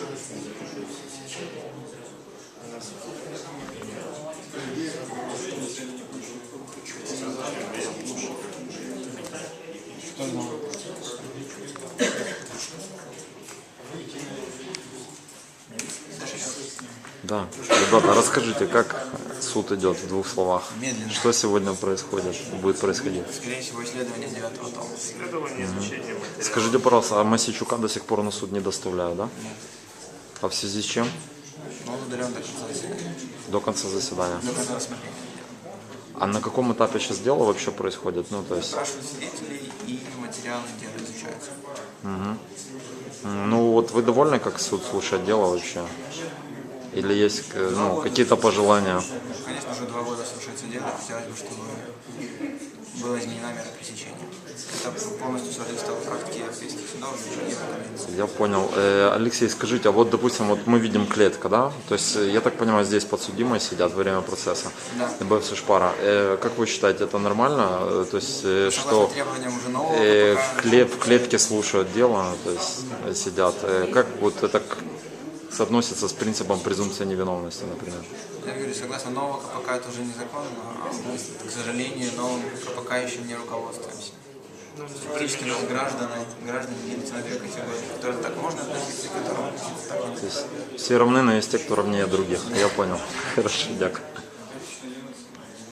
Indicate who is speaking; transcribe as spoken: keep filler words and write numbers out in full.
Speaker 1: Да. Ребята, расскажите, как суд идет в двух словах?
Speaker 2: Медленно.
Speaker 1: Что сегодня происходит, будет происходить?
Speaker 2: Скорее всего, исследование девятого тома.
Speaker 3: Исследование, изучение материала.
Speaker 1: Скажите, пожалуйста, а Мосейчука до сих пор на суд не доставляют, да?
Speaker 2: Нет.
Speaker 1: А в связи с чем?
Speaker 2: Но он удален до конца заседания.
Speaker 1: До конца заседания.
Speaker 2: До конца рассмотрения.
Speaker 1: А на каком этапе сейчас дело вообще происходит? Ну, то есть,
Speaker 2: Спрашивают свидетелей, и материалы дела изучаются.
Speaker 1: ну вот вы довольны, как суд слушает дело вообще? Или есть э, ну, какие-то пожелания?
Speaker 2: Конечно, уже два года слушается дело, хотелось бы, чтобы была изменена мера пресечения. Это полностью соответствовало практике европейских судов и Евроконвенции.
Speaker 1: Я понял. Э, Алексей, скажите, а вот, допустим, вот мы видим клетка, да? То есть, э, я так понимаю, здесь подсудимые сидят во время процесса.
Speaker 2: Да.
Speaker 1: ДБФ Сушпара. Э, как вы считаете, это нормально? Э, То есть, э,
Speaker 2: Согласно
Speaker 1: что
Speaker 2: требованиям уже нового
Speaker 1: э,
Speaker 2: КПК,
Speaker 1: в, клет, в клетке слушают дело, то есть э, сидят. Э, как вот это к- соотносится с принципом презумпции невиновности, например?
Speaker 2: я говорю, согласно нового КПК это уже незаконно, а мы, к сожалению, новым КПК еще не руководствуемся. Фактически у нас граждане, граждане делятся на две категории, которым так можно относиться, к которым так нельзя.
Speaker 1: То есть все равны, но есть те, кто равнее других. Я понял. Хорошо, дякую.